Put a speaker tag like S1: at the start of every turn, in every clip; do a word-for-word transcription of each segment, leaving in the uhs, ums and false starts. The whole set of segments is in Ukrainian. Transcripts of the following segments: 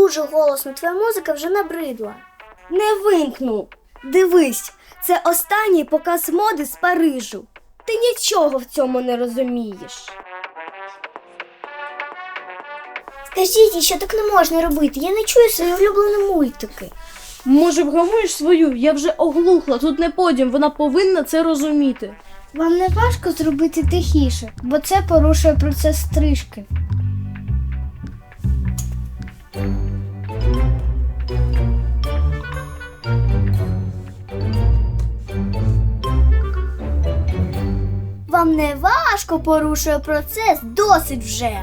S1: дуже голосно, твоя музика вже набридла.
S2: Не вимкну. Дивись, це останній показ моди з Парижу. Ти нічого в цьому не розумієш.
S1: Скажіть, що так не можна робити? Я не чую свої улюблені мультики.
S3: Може, вгамуєш свою? Я вже оглухла, тут не подіум, вона повинна це розуміти.
S1: Вам не важко зробити тихіше, бо це порушує процес стрижки. Вам не важко порушує процес, досить вже.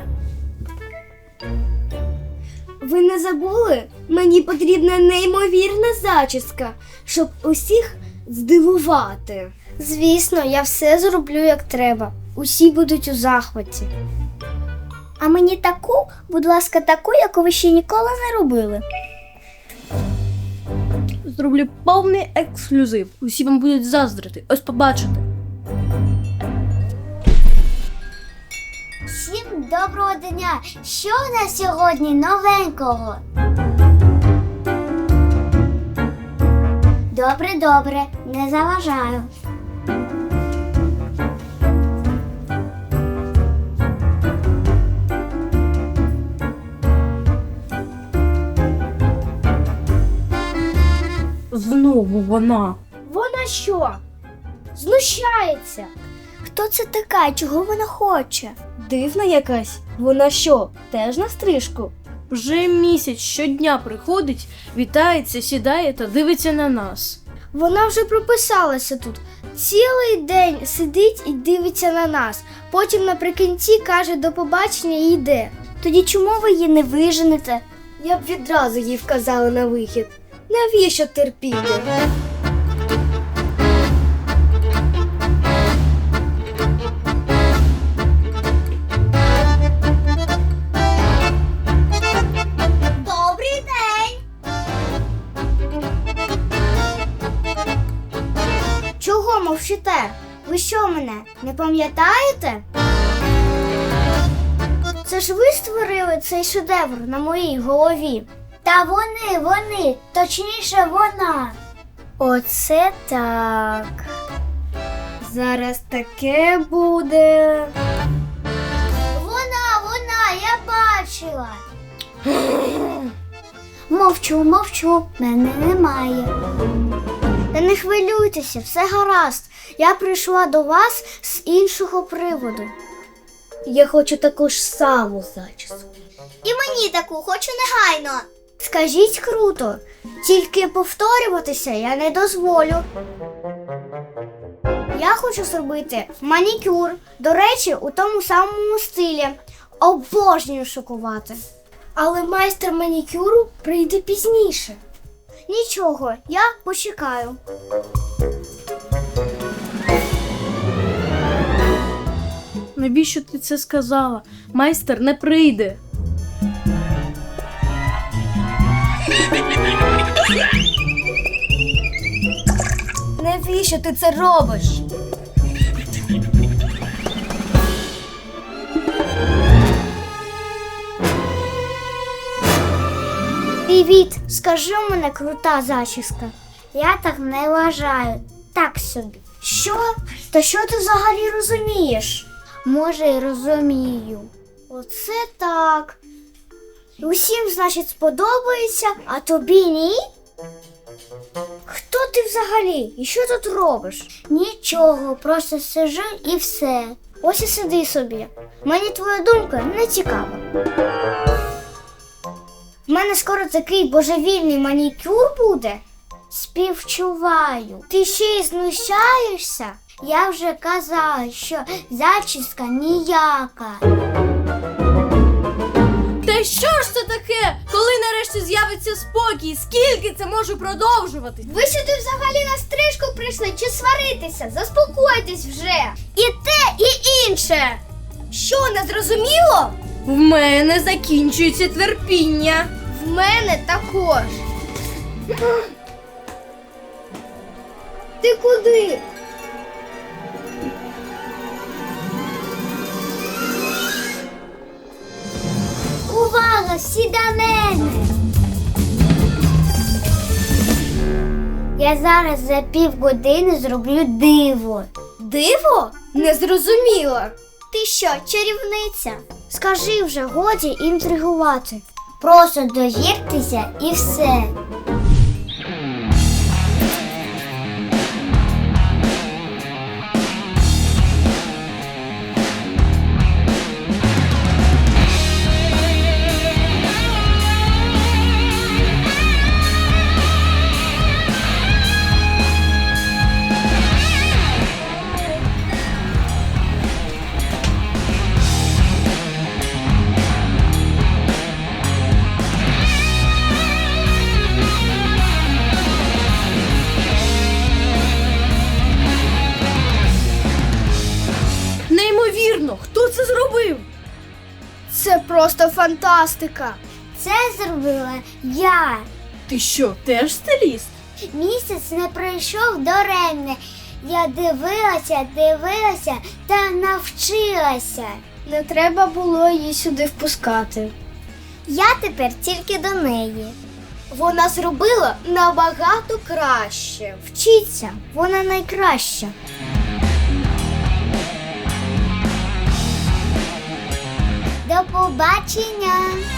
S2: Ви не забули? Мені потрібна неймовірна зачіска, щоб усіх здивувати.
S1: Звісно, я все зроблю як треба. Усі будуть у захваті. А мені таку, будь ласка, таку, яку ви ще ніколи не робили.
S3: Зроблю повний ексклюзив. Усі вам будуть заздрити. Ось побачите.
S1: Всім доброго дня! Що у нас сьогодні новенького? Добре, добре, не заважаю.
S3: Знову вона.
S1: Вона що? Знущається. Хто це така? Чого вона хоче?
S2: Дивна якась. Вона що, теж на стрижку?
S3: Вже місяць щодня приходить, вітається, сідає та дивиться на нас.
S1: Вона вже прописалася тут. Цілий день сидить і дивиться на нас. Потім наприкінці каже до побачення і йде. Тоді чому ви її не виженете?
S2: Я б відразу їй вказала на вихід. Навіщо терпіти?
S1: Добрий день! Чого мовчите? Ви що мене, не пам'ятаєте? Це ж ви створили цей шедевр на моїй голові. Та вони, вони, точніше вона. Оце так.
S2: Зараз таке буде.
S1: Вона, вона, я бачила. Мовчу, мовчу, мене немає. Та не хвилюйтеся, все гаразд. Я прийшла до вас з іншого приводу.
S2: Я хочу таку ж саму зачіску.
S1: І мені таку хочу негайно. Скажіть круто, тільки повторюватися я не дозволю. Я хочу зробити манікюр, до речі, у тому самому стилі. Обожнюю шокувати.
S2: Але майстер манікюру прийде пізніше.
S1: Нічого, я почекаю.
S3: Навіщо ти це сказала? Майстер не прийде.
S2: Навіщо ти це робиш?
S1: Привіт, скажи у мене крута зачіска. Я так не вважаю. Так собі. Що? Та що ти взагалі розумієш? Може, й розумію. Оце так. Усім, значить, сподобається, а тобі ні? Хто ти взагалі? І що тут робиш? Нічого, просто сиджу і все. Ось і сиди собі. Мені твоя думка не цікава. В мене скоро такий божевільний манікюр буде. Співчуваю. Ти ще й знущаєшся? Я вже казала, що зачіска ніяка.
S3: Та що ж це таке? Коли нарешті з'явиться спокій? Скільки це може продовжуватись?
S1: Ви сюди взагалі на стрижку прийшли чи сваритися? Заспокойтесь вже. І те, і інше.
S2: Що, не зрозуміло?
S3: В мене закінчується терпіння.
S1: В мене також.
S2: Ти куди?
S1: Увага, всі до мене! Я зараз за півгодини зроблю диво.
S2: Диво? Не зрозуміла.
S1: Ти що, чарівниця? Скажи вже, годі інтригувати. Просто довіртеся і все.
S3: Неймовірно, хто це зробив?
S2: Це просто фантастика.
S1: Це зробила я.
S3: Ти що, теж стиліст?
S1: Місяць не пройшов даремне. Я дивилася, дивилася та навчилася.
S2: Не треба було її сюди впускати.
S1: Я тепер тільки до неї.
S2: Вона зробила набагато краще.
S1: Вчіться, вона найкраща. До побачення!